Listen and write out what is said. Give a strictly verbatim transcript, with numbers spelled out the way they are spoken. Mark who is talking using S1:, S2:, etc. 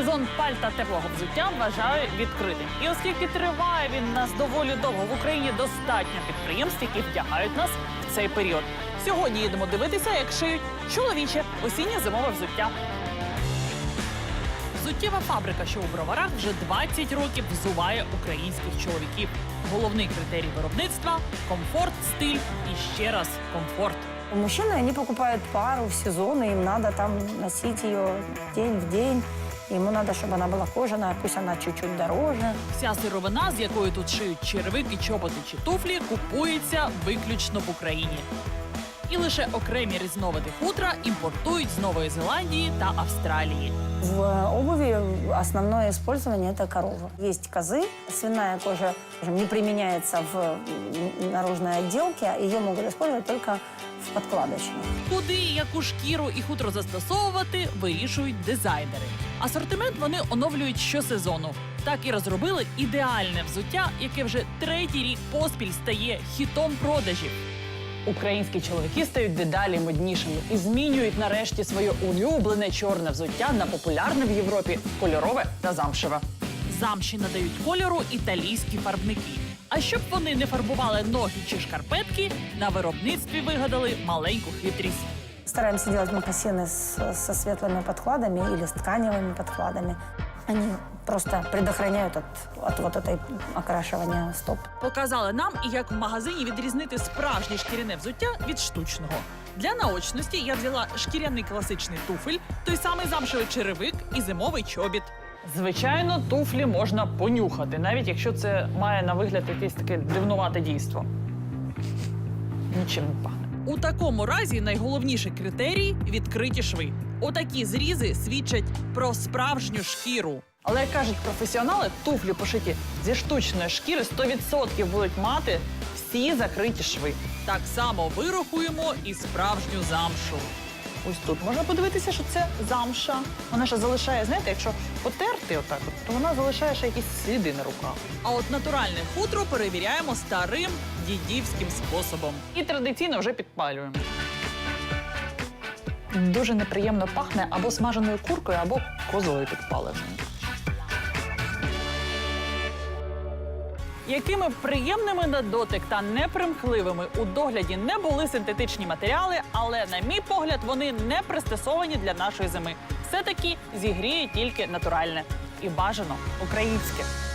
S1: Сезон пальта теплого взуття вважаю відкритим. І оскільки триває він нас доволі довго, в Україні достатньо підприємств, які вдягають нас в цей період. Сьогодні їдемо дивитися, як шиють чоловіче осінньо-зимове взуття. Взуттєва фабрика, що у Броварах, вже двадцять років взуває українських чоловіків. Головний критерій виробництва – комфорт, стиль і ще раз комфорт.
S2: Мужчины, они покупают пару в сезон, и им надо там носить ее день в день. Ему надо, чтобы она была кожаная, пусть она чуть-чуть дороже.
S1: Вся сировина, з якої тут шиють черевики, чоботи чи туфлі, купується виключно в Україні. І лише окремі різновиди хутра імпортують з Нової Зеландії та Австралії.
S2: В обуви основное использование – это корова. Есть козы, свиная кожа, скажем, не применяется в наружной отделке, ее могут использовать только в подкладочных.
S1: Куди, яку шкіру і хутро застосовувати, вирішують дизайнери. Асортимент вони оновлюють щосезону. Так і розробили ідеальне взуття, яке вже третій рік поспіль стає хітом продажів. Українські чоловіки стають дедалі моднішими і змінюють нарешті своє улюблене чорне взуття на популярне в Європі кольорове та замшеве. Замші надають кольору італійські фарбники. А щоб вони не фарбували ноги чи шкарпетки, на виробництві вигадали маленьку хитрість.
S2: Стараемся делать мокасины с, со светлыми подкладами или с тканевыми подкладами. Они просто предохраняют от, от вот этой окрашивания стоп.
S1: Показали нам, і як в магазині відрізнити справжнє шкіряне взуття від штучного. Для наочності я взяла шкіряний класичний туфель, той самий замшевий черевик і зимовий чобіт. Звичайно, туфлі можна понюхати, навіть якщо це має на вигляд якесь таке дивнувате дійство. Нічим не пахне. У такому разі найголовніший критерій – відкриті шви. Отакі зрізи свідчать про справжню шкіру. Але, як кажуть професіонали, туфлі, пошиті зі штучної шкіри, сто відсотків будуть мати всі закриті шви. Так само вирахуємо і справжню замшу. Ось тут можна подивитися, що це замша. Вона ще залишає, знаєте, якщо потерти отак, от, то вона залишає ще якісь сліди на руках. А от натуральне хутро перевіряємо старим дідівським способом. І традиційно вже підпалюємо. Дуже неприємно пахне або смаженою куркою, або козою підпаленою. Якими б приємними на дотик та непримхливими у догляді не були синтетичні матеріали, але, на мій погляд, вони не пристосовані для нашої зими. Все-таки зігріє тільки натуральне. І бажано українське.